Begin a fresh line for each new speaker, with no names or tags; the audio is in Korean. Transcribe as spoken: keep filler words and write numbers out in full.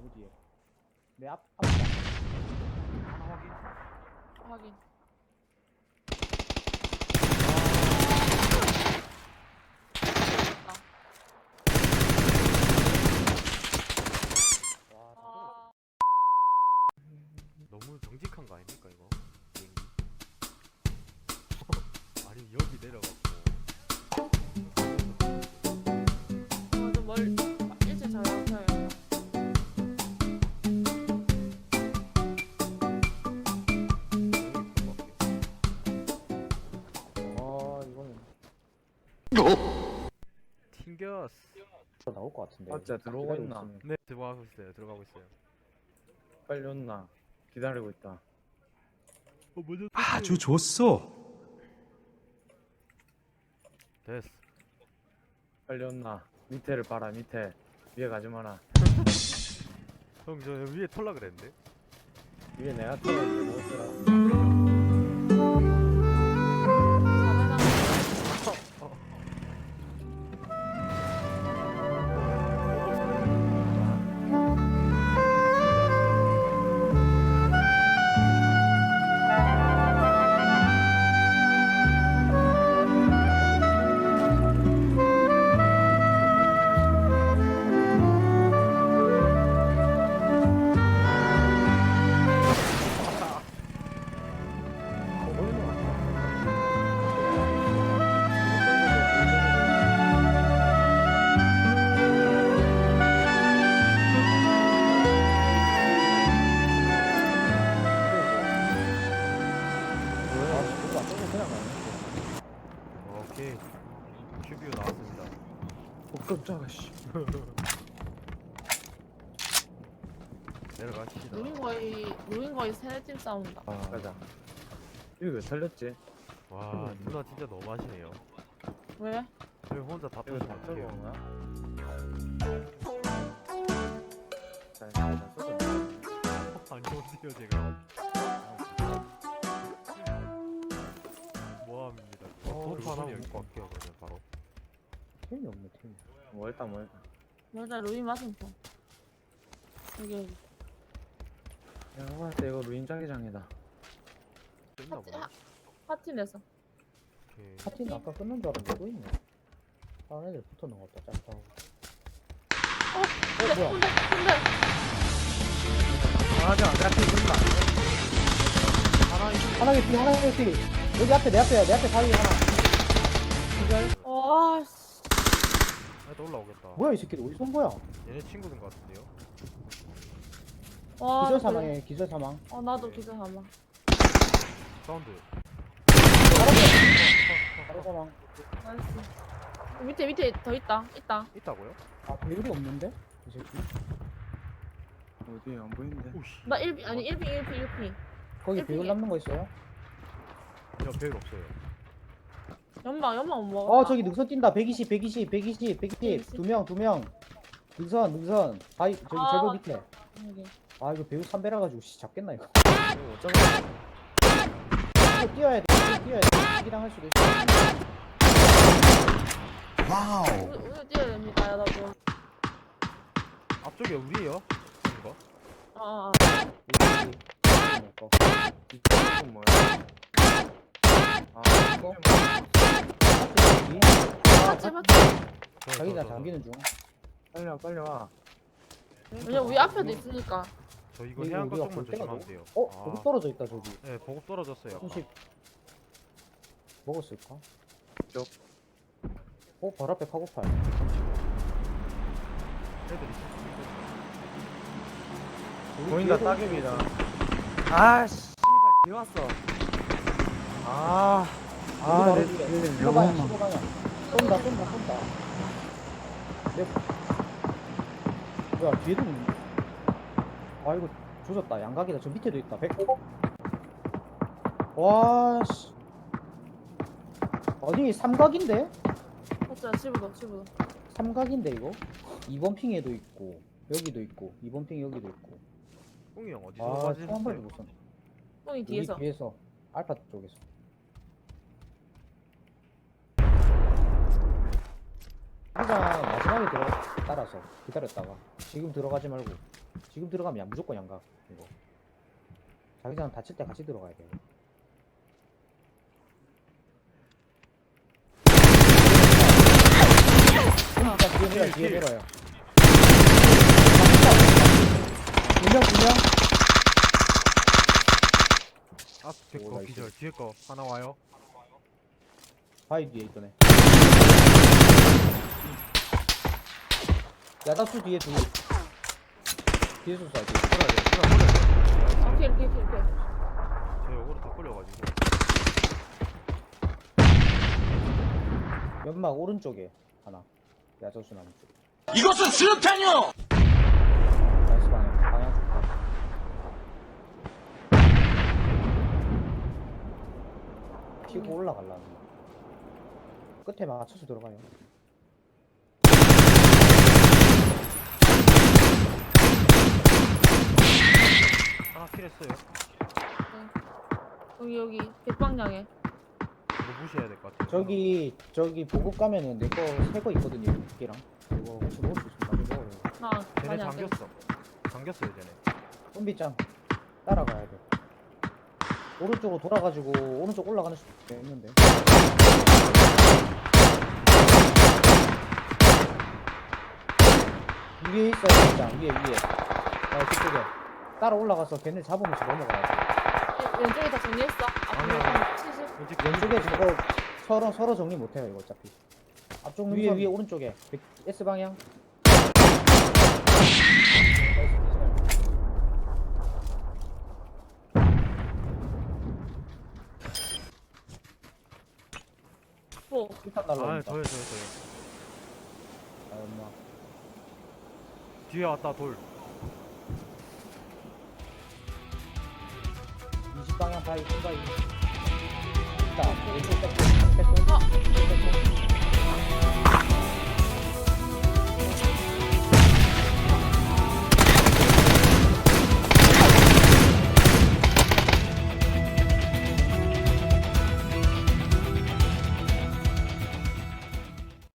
나무 뒤에. 내 앞, 앞.
하나 확인.
확인.
와, 다
아,
너무 정직한 거 아닙니까 이거? 비행기. 아니 여기 내려갔고.
저도 멀 일찍 잘 잡혀요.
아, 이거는
튕겼어.
더 나올 것 같은데.
아, 진짜 들어오고
기다리고
있나?
있으면.
네 들어가고 있어요. 들어가고 있어요.
빨리 온나? 기다리고 있다.
어 먼저.
아주 좋소.
됐어.
빨리 온나? 밑에를 봐라, 밑에. 위에 가지 마라.
형 저 위에 털라 그랬는데.
위에 내가 떨어지게 못더라.
오케이. 큐비오 나왔습니다.
어, 깜짝아, 씨.
내려가시다.
루인 거의 루인 거의 세네 팀 싸운다.
아, 가자. 이거 왜 살렸지?
와 누나 진짜 너무하시네요.
왜?
왜 혼자 다
이거
터지면
다
어떡해요?
떨고 온가? 잘, 잘, 잘 쏘자.
안 좋은데요 제가. 모함입니다.
어,
도트 하나
루인이
먹고 갈게요 그러면 바로.
팀이 없네, 팀.
뭐, 일단 뭐, 일단.
맞아 루인 맞은편. 여기 여기.
내가 봤을 때 이거 루인 자기장이다.
됐나
파티
보네.
하, 파티 내서.
오케이.
파티는 아까 끝난 줄 알았는데 또 있네. 다른 애들 붙어놓은 것 같다, 짝하고.
어, 근데
뭐야?
근데 근데
아, 하지 마. 내가 피 준다.
하나 개피, 하나 개피. 여기 앞에, 내 앞에야, 내 앞에 사이 하나. 기절.
와 씨.
아, 또 올라오겠다.
뭐야, 이 새끼들 어디서 온 거야?
얘네 친구인 것 같은데요?
와.
기절
나
사망해, 기절 사망.
어 나도 기절 사망.
사운드.
바로 사망.
나이스. 밑에 밑에 더 있다. 있다.
있다고요?
아, 배율이 없는데? 이 새끼.
어디, 안 보이는데?
오씨.
나 일 비 아니 일 비 일 비 일 비.
거기
일핑에.
배율 남는 거 있어요?
야 배율 없어요.
연막 연막 못 먹어.
어, 저기 능선 뛴다. 백이십, 백이십, 백이십, 백이십.
백이십.
두 명, 두 명. 능선, 능선. 바이, 저기
아,
절벽
맞다.
밑에.
여기.
아, 이거 배율 삼 배라 가지고 씨 잡겠나 이거.
이거 어쩌면.
이거 뛰어야 돼. 이거 뛰어야 돼. 이기랑 할 수도 있어.
우리 우리 뛰어야 됩니다 여러분.
앞쪽에 우리예요? 이거?
어. 어.
이거.
이거 뭐야? 아,
이거?
이거?
아,
맞지 맞지.
저,
자기다
저, 저,
잠기는 중.
빨리 와, 빨리 와.
왜냐 우리 앞에도 있으니까.
저 이거
이거
해안가
우리가
쪽만
볼 때가
조심하면
너무-
돼요.
어?
아,
거기 떨어져 있다 저기.
네 보급 떨어졌어요. 아까.
삼십. 먹었을까?
쪽.
어? 바로 앞에 카고팔.
애들 있을 수도 있고.
보인다, 따개비다. 아, 씨. 씨발, 비 왔어. 아, 아, 내 뒤에
십오 방향,
너무
십오 방향. 쏜다, 쏜다, 쏜다. 내... 뭐야, 뒤에도 있네. 아, 이거 조졌다. 양각이다. 저 밑에도 있다. 백. 와, 씨. 아니, 삼각인데?
맞지 집어도 집어도.
삼각인데, 이거? 이 번 핑에도 있고, 여기도 있고, 이 번 핑 여기도 있고.
뿡이 형 어디서
아,
맞으셨어요?
한 발도 못 쏜.
뽕이
여기
뒤에서.
뒤에서. 알파 쪽에서. 일단 마지막에 들어 따라서 기다렸다가 지금 들어가지 말고 지금 들어가면 양- 무조건 양각 이거. 자기장 다칠 때 같이 들어가야 돼. 진짜 뒤에 밀어요. 뒤에
킬.
밀어요. 두명 두명.
앞에
오,
거
나이스.
기절 뒤에 거 하나 와요.
바위 뒤에 있더네. 야다수 뒤에 둘. 뒤에서 쏴야 돼.
끌어야 돼. 끌어 끌어야 돼.
오케이 이렇게 이렇게 이렇게.
저 요거로 다 끌려가지고.
연막 오른쪽에 하나. 야자수 나무 쪽.
이것은 수류탄이요!
나이스 방향. 방향 좋다. 피고 올라갈라는 거. 끝에 맞춰서 들어가요.
하나 킬했어요.
여기 여기 백방향에.
이거 무시해야 될 것 같아.
저기 저기 보급 가면은 내 거 새 거 있거든요. 두개랑. 그거 혹시 먹을 수 있으면 나중에 먹어요.
아
쟤네
많이 안 돼.
잠겼어. 잠겼어요 쟤네.
쏨비짱 따라가야 돼. 오른쪽으로 돌아가지고 오른쪽 올라가는 수도 있는데. 위에 있어요, 쏨비짱. 위에 위에. 아, 그쪽에. 따라 올라가서 걔네 잡으면서 넘어가야 돼.
왼- 왼쪽에 다 정리했어.
아니야.
앞에 칠십.
왼쪽
왼쪽에 저거 서로 서로 정리 못해요 이거 어차피. 앞쪽 위에 위에 오른쪽에 백- S 방향. 나이스, 기절.
오.
일단
아
날라옵니다.
저요 저요 저요.
아, 엄마.
뒤에 왔다 돌.
이십 방향 바위 바위. 일단 왼쪽 백도 백도
어.
백도.